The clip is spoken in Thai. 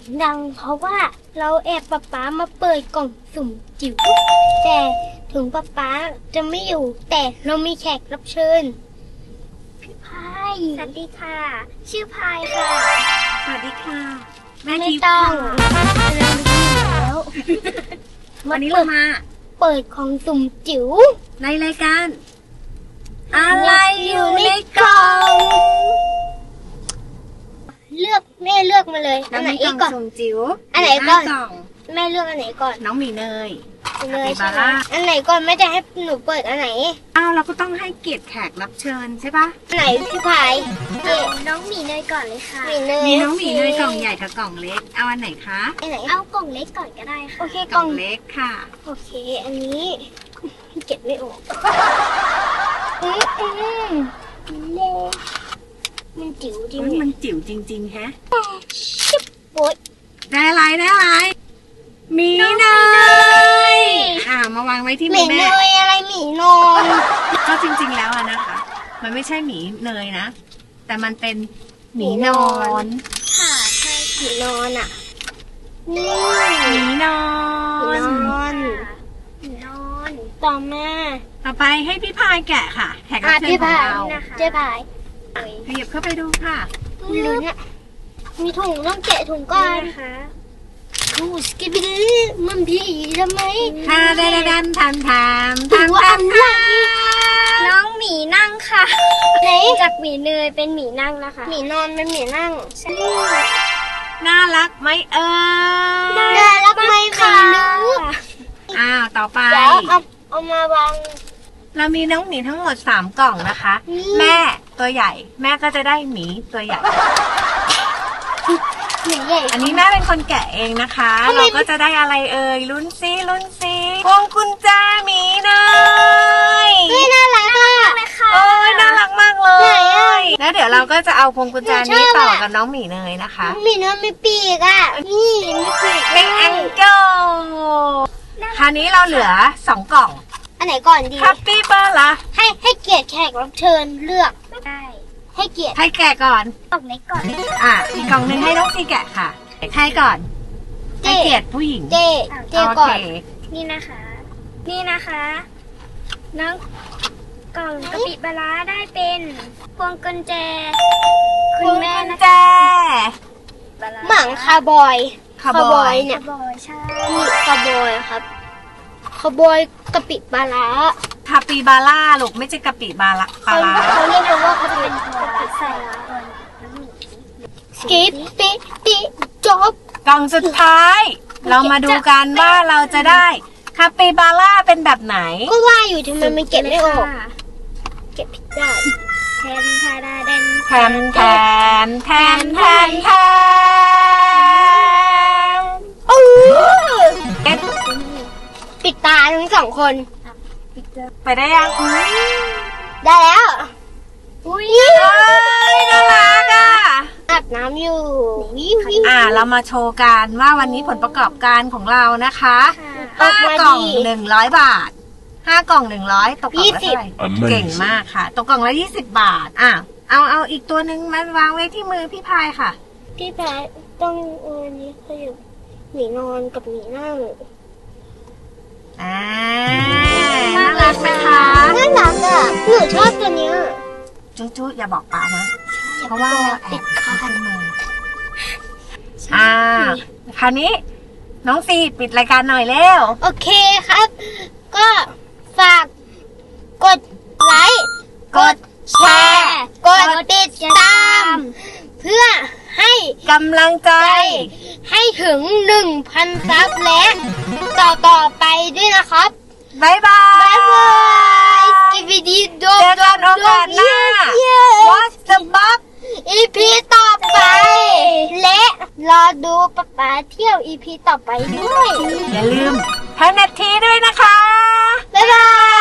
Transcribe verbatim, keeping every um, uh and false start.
ดังเพราะว่าเราแอบป๊าป๊ามาเปิดกล่องสุ่มจิ๋วแต่ถึงป๊าป๊าจะไม่อยู่แต่เรามีแขกรับเชิญพี่พายสวัสดีค่ะชื่อพายค่ะสวัสดีค่ะแม่ไม่ทิพย์ต้องแล้ววันนี้เรามาเปิดของสุ่มจิ๋วในรายการอะไรอยู่ในกล่องเลือกแม่เลือกมาเลยอันไหนกล่องก่อนสุ่มจิ๋วอันไหนก่อนกล่องแม่เลือกอันไหนก่อนน้องหมีเนยเลยคาปิใช่บาไหมร่าอันไหนก่อนแม่จะให้หนูเปิดอันไหนอ้าวเราก็ต้องให้เกียรติแขกรับเชิญใช่ปะอันไหนพี่พายเจ๊น้องหมีเนยก่อนเลยค่ะหมีเนยมีน้องหมีเนยกล่องใหญ่กับกล่องเล็กเอาอันไหนคะอันไหนเอากล่องเล็กก่อนก็ได้ค่ะโอเคกกล่ล่ออง งเล็กค่ะโอเค อันนี้เก็บไม่ออกอืมอืมเล็กมันจิ๋วจริงเฮ้ยมันจิ๋วจริงๆแฮะชิบโอ๊ยได้อะไรได้อะไรหมีเนยอ่ามาวางไว้ที่หมืมีอเนแม่ยอะไรหมีนอนก็จริงๆแล้วอะนะคะ มันไม่ใช่หมีเนยนะ แต่มันเป็นหมีนอนค่ะใช่หมีนอนอ่ะนี่หมีนอหมีนนอนหมีนอนต่อมาต่อไปให้พี่พายแกะค่ะแขกรับอ่ะเชิญพี่ของพายเราเจ๊พายขยับเข้าไปดูค่ะลุ้นอ่ะมีถุงต้องแกะถุงก่อนนะคะดูสกิปปี้มันพี่ทำไมทาดาดาดันทันทามทามทามทามน้องหมีนั่งค่ะไหนจากหมีเนยเป็นหมีนั่งนะคะหมีนอนเป็นหมีนั่งใช่น่ารักไหมเอ่ยน่ารักไหมไม่รู้อ้าวต่อไปเดี๋ยวเอาเอามาวางเรามีน้องหมีทั้งหมดสามกล่องนะคะอืมแม่ตัวใหญ่ แม่ก็จะได้หมีตัวใหญ่หมีใหญ่อันนี้แม่เป็นคนแกะเองนะคะทำไมเราก็จะได้อะไรเอ่ยลุ้นซิลุ้นซิพวงกุญแจหมีเนยเฮ้ยน่ารักอ่ะโอ้ยน่ารักมากเลไหนยอ่ะแล้วเดี๋ยวเราก็จะเอาพวงกุญแจหนูนี้ชอบต่ออ่ะกับน้องหมีเนยนะคะหมีเนยมีปีกอ่ะนี่มีปีกเป็นแองเกิลคราวนี้เราเหลือสองกล่องอันไหนก่อนดีคาปิบาร่าให้ให้เกียรติแขกรับเชิญเลือกได้ให้เกียรติให้แกะก่อนกล่องเล็กก่อนอ่ะอีกกล่องหนึ่งให้น้องซีแกะค่ะให้ก่อนเจ๊ให้เกียรติผู้หญิงเจ๊เจ๊โอก่อเคนนี่นะคะ นี่นะคะน้องกล่องกะปิปลาร้าได้เป็นพวงกุญแจพวงกุญแจหมังคาร์บอยคาร์บอยเนี่ยคาร์บอยใช่นี่คาร์บอยครับคาร์บอยกะปิปลาร้าคาปิบาร่าลูกไม่ใช่กะปิบาร่าปลาเขาร้าเขาเรียกกันว่าเขาเป็นตัวกะปิใส่สกิปปิปิจบกล่องสุดท้าย เรามาดูกันว่าเราจะได้คาปิบาร่าเป็นแบบไหนก็ว่าอยู่ทำไมมันเก็บไม่ออกเก็บผิดได้แทนทาดาเดนแทนแทนแทนแทนแทนโอ้เอ็ดปิดตาทั้งสองคนไปได้ยังได้แล้วอุ้ยเฮ้ยน่ารักอ่ะอาบน้ำอยู่วิววิวอ่าเรามาโชว์กันว่าวันนี้ผลประกอบการของเรานะคะออกห้ามากล่องดีหนึ่งร้อยบาทห้ากล่องหนึ่งร้อยตกกล่องละยี่สิบเท่าไหร่เก่งมากค่ะตกกล่องละยี่สิบบาทอ่ะเอาเอาอีกตัวหนึ่งมาวางไว้ที่มือพี่พายค่ะพี่แพ้ต้องเออนี้ขยับหมีนอนกับหมีนั่งอ่าน่ารักนะคะน่ารักอ่ะหนูชอบตัวเนี้ยจุ๊จุ๊อย่าบอกป้านะ เพราะว่าเราแอบเข้าขึ้นมาอ่าคราวนี้น้องซีปิดรายการหน่อยเร็วโอเคครับ ก็ฝากกดไลค์กดแชร์กดติดตาม เพื่อให้กำลังใจให้ถึงหนึ่งพันซับและต่อต่อไปด้วยนะครับบ๊ายบายบ๊ายบายสกิปดีโดเจอกันโอกาสหน้า What's the bug อีพีต่อไป และรอดูป๊าป๊าเที่ยวอีพีต่อไปด้วยอย่าลืมแพนนาทีด้วยนะคะบ๊ายบาย